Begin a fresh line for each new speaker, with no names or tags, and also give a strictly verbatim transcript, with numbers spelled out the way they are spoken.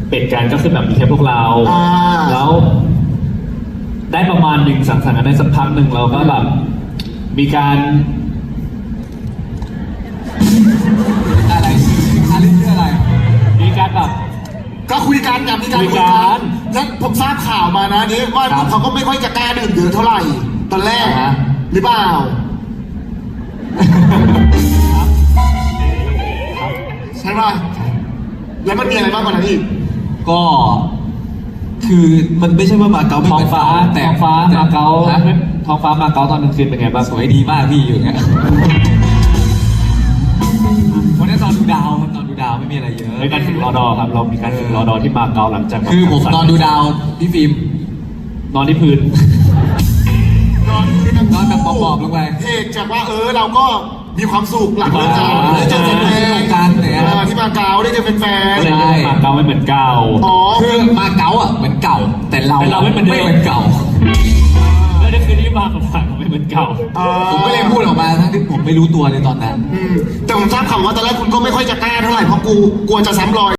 เป็ดกันก็คือแบบมีแค่พวกเรา
อ่า
แล้ว ได้ประมาณหนึ่งสังสรรค์กันได้สักพักหนึ่งเราก็แบบมีการ
อะไรอะไรคืออะไร
มีการแบบ
ก็คุยกันกับมีการ
คุ
คุ
ย
ย
กั
กัน นแล้วผมทราบข่าวมานะนี่ว่า
ครับ
เขาก็ไม่ค่อยจะกล้าดื่มเยอะเท่าไหร่ตอนแรก
อ่าฮะ
หรือเปล่าใช่ป่ะแล้วมันมีอะไรบ้างกว่านั้นอีก
ก็ คือมันไม่ใช่ว่ามาเก๊าไม่
ท้อง
เหมือน
ฟ้า
แต่
ท้องฟ้ามาเก๊า
ฮะ
ท้องฟ้ามาเก๊าตอนกลางคืนเป็นไงบ้าง
สวยดีมากพี่อยู่อย่างเงี้ยวันนั้นนอนดูดาวนอนดูดาวไม่มีอะไรเยอะ
ในการฝึกรอดอครับ เรามีการฝึกรอดอที่มาเก๊าหลังจากแบบ
คือผมนอนดูดาวพี่ฟิล์ม
นอนที่พื้น
นอน
นอนแบบหมอบๆลงไป
เหตุจากว่าเออเราก็มีความสุขหลังเลิกงานได้เจอแฟนๆ
กันเนี่ย
เออที่มาเก๊าได้เจอแฟน
ก็เลยเรียกว่ามาเก๊าไม่เหมือนเก่า
ๆอ๋อ
คือมาเก๊าอ่ะเหมือนเก่า แต่เรา
แต่เราไม่เหมือนเดิม
ไม่เหมือนเก่า
แล้วนี่คือที่มาของฝันไม่เหมือนเก่า
เออ
ผมก็เลยพูดออกมาทั้งที่ผมไม่รู้ตัวในตอนนั้น
อืมแต่ผมทราบข่าวว่าตอนแรกคุณก็ไม่ค่อยจะกล้าเท่าไหร่เพราะกูกลัวจะซ้ำรอย